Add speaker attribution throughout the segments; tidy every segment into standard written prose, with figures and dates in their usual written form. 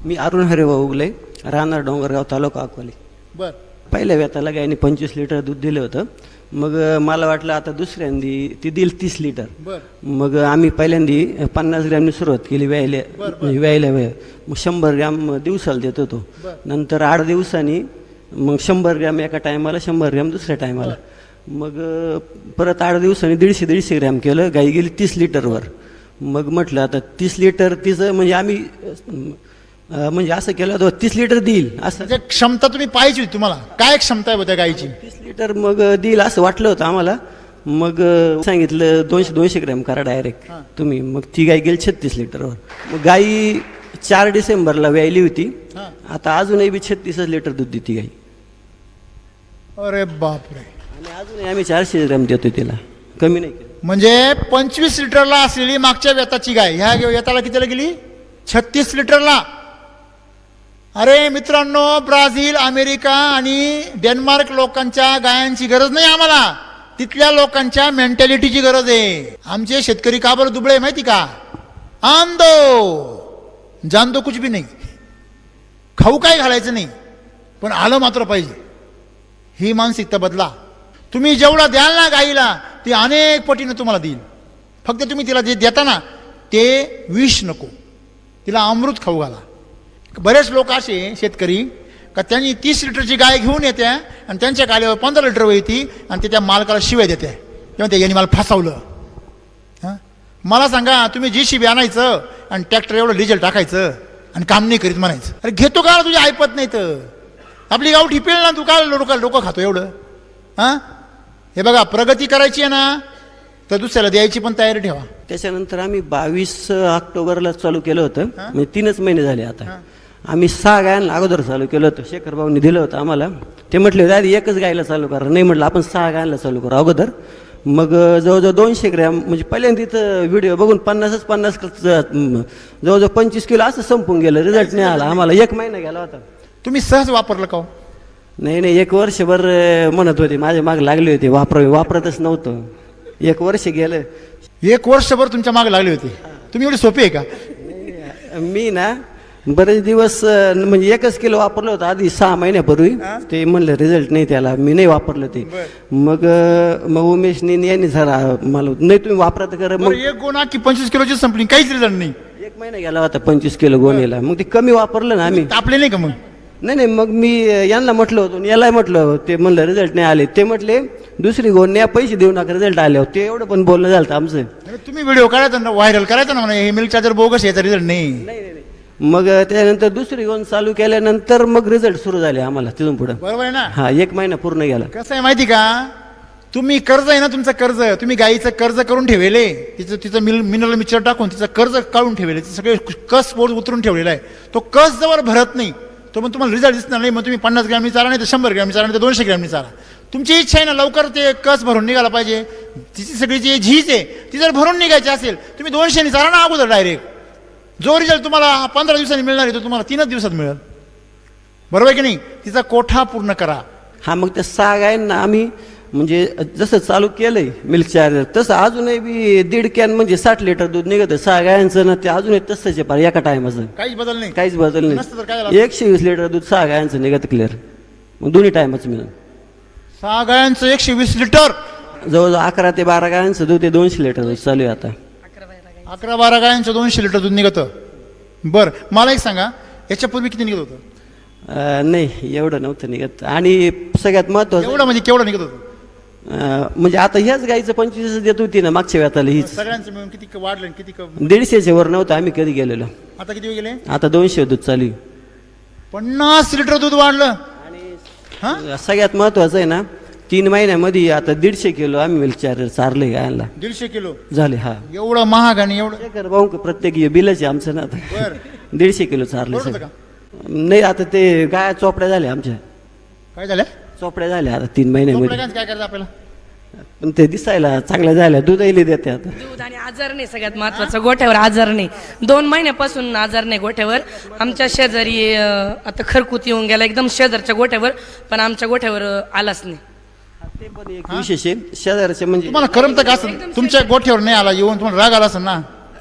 Speaker 1: मी अरुण हरिभाऊ उगले, राहणार डोंगरगाव, तालुका अकोले.
Speaker 2: बर.
Speaker 1: पहिल्या व्यताला गायने 25 लिटर दूध दिलं होतं. मग मला वाटलं आता दुसऱ्यांदी ती देईल 30 लिटर.
Speaker 2: बर.
Speaker 1: मग आम्ही पहिल्यांदी 50 ग्रॅमनी सुरुवात केली व्यायला मग 100 ग्रॅम दिवसाला देत होतो. नंतर 8 दिवसांनी मग 100 ग्रॅम एका टायमाला, 100 ग्रॅम दुसऱ्या टायमाला. मग परत 8 दिवसांनी 150 ग्रॅम केलं. गाई गेली 30 लिटरवर. मग म्हटलं आता 30 लिटर तिचं म्हणजे आम्ही म्हणजे असं केलं तर 30 लिटर देईल असं
Speaker 2: म्हणजे क्षमता तुम्ही पाहिजे होती तुम्हाला. काय क्षमता आहे त्या गायीची?
Speaker 1: 30 लिटर मग देईल असं वाटलं होतं आम्हाला. मग सांगितलं 200 ग्रॅम करा डायरेक्ट तुम्ही. मग ती गाय गेली 36 लिटरवर. मग गाई 4 डिसेंबरला व्यायली होती. आता अजूनही बी 36 लिटर दूध देते गाई.
Speaker 2: अरे बापरे.
Speaker 1: आणि अजूनही आम्ही 400 ग्रॅम देतो तिला, कमी नाही केलं.
Speaker 2: म्हणजे 25 लिटरला असलेली मागच्या व्यताची गाय ह्या व्यताला कितीला गेली? 36 लिटरला. अरे मित्रांनो, ब्राझील, अमेरिका आणि डेन्मार्क लोकांच्या गायांची गरज नाही आम्हाला, तिथल्या लोकांच्या मेंटॅलिटीची गरज आहे. आमचे शेतकरी का बरं दुबळे माहिती का? आंदो जाणतो कुछ भी नाही. खाऊ काय घालायचं नाही, पण आलं मात्र पाहिजे. ही मानसिकता बदला. तुम्ही जेवढा द्याल ना गाईला, ती अनेक पटीनं तुम्हाला देईल. फक्त तुम्ही तिला जे देता ना ते विष नको, तिला अमृत खाऊ घाला. बरेच लोक असे शेतकरी का त्यांनी 30 लिटरची गाय घेऊन येते आणि त्यांच्या गाडीवर 15 लिटर येते आणि ते त्या मालकाला शिवाय देते तेव्हा ते यांनी मला फसवलं. हां, मला सांगा, तुम्ही JCB आणायचं आणि ट्रॅक्टर एवढं डिझेल टाकायचं आणि काम नाही करीत म्हणायचं. अरे घेतो का तुझी ऐपत नाही तर आपली गाव ठिपेल ना. तू काय डोकं खातो एवढं? हां, हे बघा, प्रगती करायची आहे ना तर दुसऱ्याला द्यायची पण तयारी ठेवा.
Speaker 1: त्याच्यानंतर आम्ही 22 ऑक्टोबरला चालू केलं होतं. म्हणजे 3च महिने झाले आता. आम्ही 6 गायांना अगोदर चालू केलं होतं. शेखर भाऊंनी दिलं होतं आम्हाला. ते म्हटले आधी एकच गायला चालू करा. नाही म्हटलं, आपण 6 गायांना चालू करू अगोदर. मग जवळजवळ 200 ग्रॅम म्हणजे पहिल्यांदा तिथं व्हिडिओ बघून 50 जवळजवळ 25 किलो असं संपून गेलं. रिझल्ट नाही आला आम्हाला. 1 महिना गेला होता.
Speaker 2: तुम्ही सहज वापरलं का?
Speaker 1: नाही, 1 वर्षभर म्हणत होते, माझ्या मागे लागले होते वापरतच नव्हतं. 1 वर्ष गेलं.
Speaker 2: 1 वर्षभर तुमच्या मागे लागले होते. तुम्ही एवढे सोपे आहे का?
Speaker 1: मी ना बरेच दिवस म्हणजे 1च किलो वापरलं होतं आधी 6 महिन्यापूर्वी. ते म्हणलं रिझल्ट नाही त्याला, मी नाही वापरलं ते. मग उमेशनी यांनी जरा मला नाही तुम्ही वापरा तर करा. मग
Speaker 2: 1 गोणा की 25 किलोची संपली, काहीच रिझल्ट नाही.
Speaker 1: 1 महिना गेला होता 25 किलो गोणीला. मग ते कमी वापरलं ना आम्ही.
Speaker 2: तापले नाही का मग?
Speaker 1: नाही, मग मी यांना म्हटलं होतं, याला म्हटलं, ते म्हणलं रिझल्ट नाही आले. ते म्हटले दुसरी गोण न्या, पैसे देऊ नका, रिझल्ट आले. ते एवढं पण बोलणं झालं आमचं.
Speaker 2: तुम्ही व्हिडिओ करायचा ना, व्हायरल करायचा ना, म्हणा हे मिल्क चार्जर बोगस, याचा रिझल्ट नाही.
Speaker 1: मग त्यानंतर दुसरी गोण चालू केल्यानंतर मग रिझल्ट सुरू झाले आम्हाला तिथून पुढे.
Speaker 2: बरोबर आहे ना?
Speaker 1: हा, 1 महिना पूर्ण गेला.
Speaker 2: कसं आहे माहिती का? तुम्ही कर्ज आहे ना, तुमचं कर्ज, तुम्ही गाईचं कर्ज करून ठेवले, तिचं मिनरल मिक्सचर टाकून तिचं कर्ज काढून ठेवले, सगळे कस बोर्ड उतरून ठेवलेला आहे. तो कस जवळ भरत नाही तो मग तुम्हाला रिझल्ट दिसणार नाही. मग तुम्ही 50 ग्रॅमनी चारा, नाही तर 100 ग्रॅमनी चारा, नाही तर 200 ग्रॅमनी चारा. तुमची इच्छा आहे ना लवकर ते कस भरून निघाला पाहिजे. तिची सगळी जी झीज आहे ती जर भरून निघायची असेल, तुम्ही 200नी चारा ना अगोदर डायरेक्ट. जो रिझल्ट तुम्हाला 15 दिवसांनी मिळणार आहे तो तुम्हाला 3च दिवसात मिळेल. बरोबर आहे की नाही? तिचा कोठा पूर्ण करा.
Speaker 1: हा, मग त्या 6 गायांना आम्ही म्हणजे जसं चालू केलंय मिल्क चार्जर, तसं अजूनही बी 1.5 कॅन म्हणजे 60 लिटर दूध निघतं 6 गायांचं ना. ते अजूनही तसंच आहे पार एका टायमाचं.
Speaker 2: काहीच बदल नाही.
Speaker 1: काहीच बदल नाही. 120 लिटर दूध 6 गायांचं निघतं क्लिअर. मग दोन्ही टायमाचं मिळून
Speaker 2: 6 गायांचं 120 लिटर.
Speaker 1: जवळजवळ 11 ते 12 गायांचं दूध, ते 200 लिटर दूध चालू आहे आता.
Speaker 2: 11-12 गायांचं 200 लिटर दूध निघतं. बरं, मला एक सांगा, याच्यापूर्वी किती निघत होतं?
Speaker 1: नाही, एवढं नव्हतं निघत. आणि सगळ्यात महत्वाचं
Speaker 2: एवढं म्हणजे केवढं निघत होतं?
Speaker 1: म्हणजे आता ह्याच गाईचं 25 देत होती ना मागच्या वेळाला. हीच
Speaker 2: सगळ्यांचं मिळून किती वाढलं? किती?
Speaker 1: 150च्या वर नव्हतं आम्ही कधी गेलेलो.
Speaker 2: आता किती गेले?
Speaker 1: आता 200 दूध चालू.
Speaker 2: 50 लिटर दूध वाढलं.
Speaker 1: आणि सगळ्यात महत्वाचं आहे ना, 3 महिन्यामध्ये आता 150 किलो आम्ही मिल्क चार्जर चारले गायला.
Speaker 2: 150 किलो
Speaker 1: झाले. हा,
Speaker 2: एवढं महाग आणि एवढं
Speaker 1: भाऊ प्रत्येक बिलच आहे आमचं ना. आता 150 किलो चारले. नाही, आता ते गाया चोपड्या झाल्या आमच्या.
Speaker 2: काय झालं?
Speaker 1: चोपड्या झाल्या आता 3 महिन्यामध्ये.
Speaker 2: काय करायचं आपल्याला?
Speaker 1: पण ते दिसायला चांगल्या झाल्या, दूधही देते आता.
Speaker 3: दूध आणि आजार नाही सगळ्यात महत्वाचं. गोठ्यावर आजार नाही. 2 महिन्यापासून आजार नाही गोठ्यावर. आमच्या शेजारी आता खरकूत येऊन गेला एकदम शेजारच्या गोठ्यावर, पण आमच्या गोठ्यावर आलाच नाही.
Speaker 1: ते पण एक विशेष आहे शेजारचे. म्हणजे
Speaker 2: तुम्हाला करमत का असं? तुमच्या गोठ्यावर नाही आला येऊन तुम्हाला राग आला असेल ना?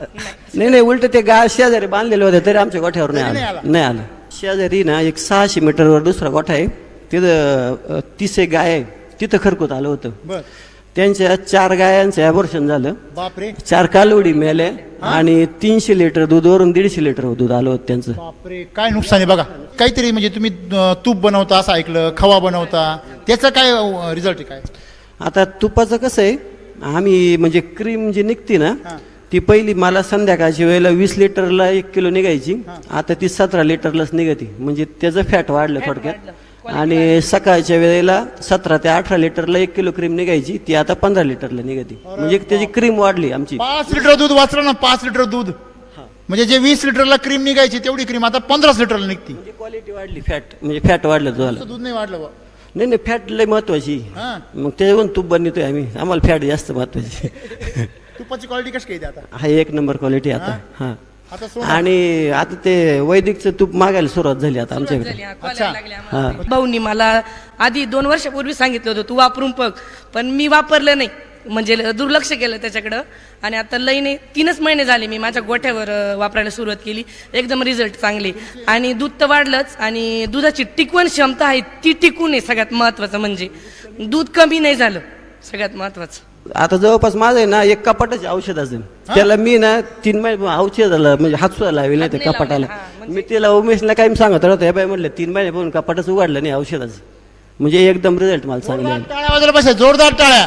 Speaker 1: नाही उलट ते गाय शेजारी बांधलेले होते तरी आमच्या गोठ्यावर
Speaker 2: तरी
Speaker 1: नाही
Speaker 2: नाही
Speaker 1: आलं
Speaker 2: आला.
Speaker 1: नाही आलं. शेजारी ना एक 600 मीटरवर दुसरा गोठा आहे, तिथं 30 एक गाय आहे, तिथं खरकूत आलं होतं.
Speaker 2: बर
Speaker 1: त्यांच्या 4 गायांचं ॲबॉर्शन झालं,
Speaker 2: बापरे
Speaker 1: 4 कालवडी मेले आणि 300 लिटर दूध वरून 150 लिटर दूध आलं होतं त्यांचं.
Speaker 2: बापरे काय नुकसान आहे बघा. काहीतरी म्हणजे तुम्ही तूप बनवता असं ऐकलं, खवा बनवता, त्याचं काय रिझल्ट आहे काय?
Speaker 1: आता तुपाचं कसं आहे, आम्ही म्हणजे क्रीम जी निघते ना
Speaker 2: हां.
Speaker 1: ती पहिली मला संध्याकाळच्या वेळेला 20 लिटरला 1 किलो निघायची, आता ती 17 लिटरलाच निघते, म्हणजे त्याचं फॅट वाढलं थोडक्यात. आणि सकाळच्या वेळेला 17 ते 18 लिटरला 1 किलो क्रीम निघायची, ती आता 15 लिटरला निघते, म्हणजे त्याची क्रीम वाढली आमची.
Speaker 2: 5 लिटर दूध वाचलं ना, 5 लिटर दूध म्हणजे जे 20 लिटरला क्रीम निघायची तेवढी क्रीम आता 15 लिटरला निघती.
Speaker 1: म्हणजे क्वालिटी वाढली, फॅट म्हणजे फॅट वाढलं दुधाला.
Speaker 2: दूध नाही वाढलं बुवा.
Speaker 1: नाही फॅट लय महत्वाची,
Speaker 2: हां.
Speaker 1: मग त्याच्यावरून तूप बनवतोय आम्ही, आम्हाला फॅट जास्त महत्वाची.
Speaker 2: तुपाची क्वालिटी कशी काय आता?
Speaker 1: हा 1 नंबर क्वालिटी आता. हा
Speaker 2: आता सोड.
Speaker 1: आणि आता ते वैदिकचं तूप मागायला सुरुवात झाली आता आमच्याकडे.
Speaker 3: झाली, हा,
Speaker 2: अच्छा.
Speaker 3: खोलायला लागले आम्हाला. भाऊनी मला आधी 2 वर्षापूर्वी सांगितलं होतं तू वापरून बघ, पण मी वापरलं नाही, म्हणजे दुर्लक्ष केलं त्याच्याकडं. आणि आता लईने 3च महिने झाले मी माझ्या गोठ्यावर वापरायला सुरुवात केली, एकदम रिझल्ट चांगले. आणि दूध तर वाढलंच, आणि दुधाची टिकवण क्षमता आहे ती टिकून आहे सगळ्यात महत्वाचं, म्हणजे दूध कमी नाही झालं सगळ्यात महत्वाचं.
Speaker 1: आता जवळपास माझं आहे ना एक कपाटाचे औषध असेल, त्याला मी ना 3 महिने औषधाला म्हणजे हात सुद्धा लावले नाही त्या
Speaker 3: हात नाही
Speaker 1: कपाटाला.
Speaker 3: लावले, हा,
Speaker 1: मी त्याला उमेशला काही सांगत राहतो, हे बाय म्हटलं 3 महिने पण कपाटच उघडलं नाही औषधाचं, म्हणजे एकदम रिझल्ट मला चांगले
Speaker 2: जोरदार
Speaker 1: आले.
Speaker 2: टाळ्या वाजवल्या पाहिजे, जोरदार टाळ्या.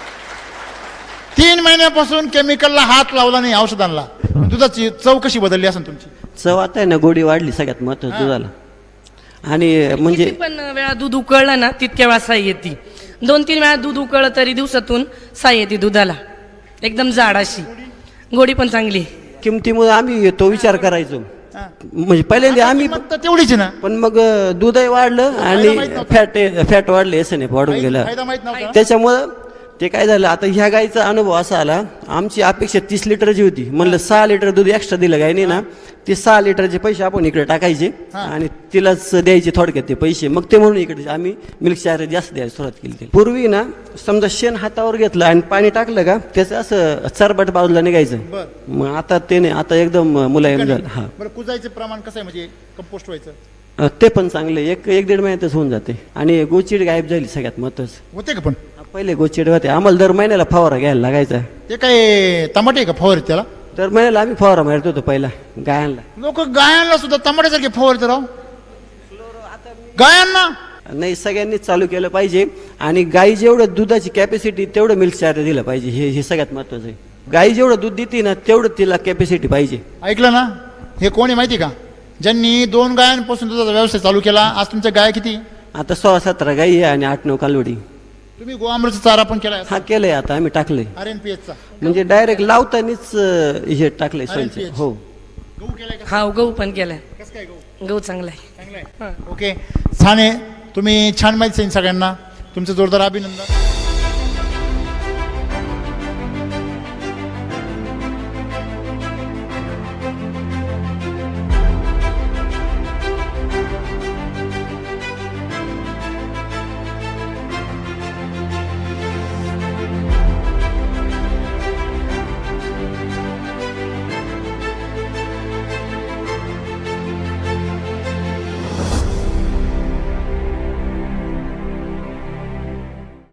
Speaker 2: 3 महिन्यापासून केमिकलला हात लावला नाही औषधांना. दुधाची चव कशी बदलली असेल तुमची?
Speaker 1: चव आता आहे ना, गोडी वाढली सगळ्यात महत्वाचं दुधाला. आणि म्हणजे
Speaker 3: किती पण वेळा दूध उकळलं ना तितक्या वेळा साई येते. 2-3 वेळा दूध उकळलं तरी दिवसातून साई येते दुधाला, एकदम जाड अशी, गोडी पण चांगली.
Speaker 1: किमतीमुळे आम्ही तो विचार करायचो, म्हणजे पहिल्यांदा आम्ही
Speaker 2: किंमत तर तेवढीच आहे ना.
Speaker 1: पण मग दूधही वाढलं आणि फॅट वाढले, एस एफ वाढून गेलं.
Speaker 2: फायदा माहित नव्हता.
Speaker 1: त्याच्यामुळं ते काय झालं, आता ह्या गाईचा अनुभव असा आला, आमची अपेक्षा 30 लिटरची होती, म्हणलं 6 लिटर दूध एक्स्ट्रा दिलं गायने ना, ते 6 लिटरचे पैसे आपण इकडे टाकायचे आणि तिलाच द्यायचे थोडक्यात ते पैसे. मग ते म्हणून इकडे आम्ही मिल्क चार्जर जास्त द्यायला सुरुवात केली. पूर्वी ना समजा शेण हातावर घेतलं आणि पाणी टाकलं का त्याचं असं चरबट बाजूला निघायचं,
Speaker 2: बर.
Speaker 1: मग आता ते नाही, आता एकदम मुलायम झालं. हा
Speaker 2: बरं कुजायचं प्रमाण कसं आहे म्हणजे कंपोस्ट व्हायचं?
Speaker 1: ते पण चांगले, 1-1.5 महिन्यातच होऊन जाते. आणि गोचिड गायब झाली सगळ्यात महत्वाचं.
Speaker 2: होते का पण?
Speaker 1: पहिले गोचिड होते, आम्हाला दर महिन्याला फवारा घ्यायला लागायचा.
Speaker 2: ते काय टमाटे का फवार त्याला?
Speaker 1: दर महिन्याला आम्ही फवारा मारत होतो पहिला गायांना.
Speaker 2: लोक गायांना सुद्धा टमाट्यासारखे फवारते राव, गायांना.
Speaker 1: नाही, सगळ्यांनीच चालू केलं पाहिजे. आणि गाई जेवढं दुधाची कॅपॅसिटी तेवढं मिल्क चार्जर दिलं पाहिजे, हे सगळ्यात महत्वाचं आहे. गाई जेवढं दूध देते ना तेवढं तिला कॅपॅसिटी पाहिजे.
Speaker 2: ऐकलं ना, हे कोण आहे माहिती का? ज्यांनी 2 गायांपासून दुधाचा व्यवसाय चालू केला. आज तुमच्या गाय किती?
Speaker 1: आता 16-17 गाई आहे आणि 8-9 कालवडी.
Speaker 2: तुम्ही गोअमृतचा चारा पण केलाय?
Speaker 1: हा केलंय, आता आम्ही टाकलंय,
Speaker 2: RNPH चा
Speaker 1: म्हणजे डायरेक्ट लावतानीच हे टाकलंय सोयीचं.
Speaker 2: RNPH.
Speaker 1: हो
Speaker 2: गहू केलाय का?
Speaker 3: हा गहू पण केलाय,
Speaker 2: कसं काय गहू?
Speaker 3: गहू चांगला आहे.
Speaker 2: चांगलं आहे. ओके, छान आहे. तुम्ही छान माहिती सांगितली सगळ्यांना. तुमचं जोरदार अभिनंदन.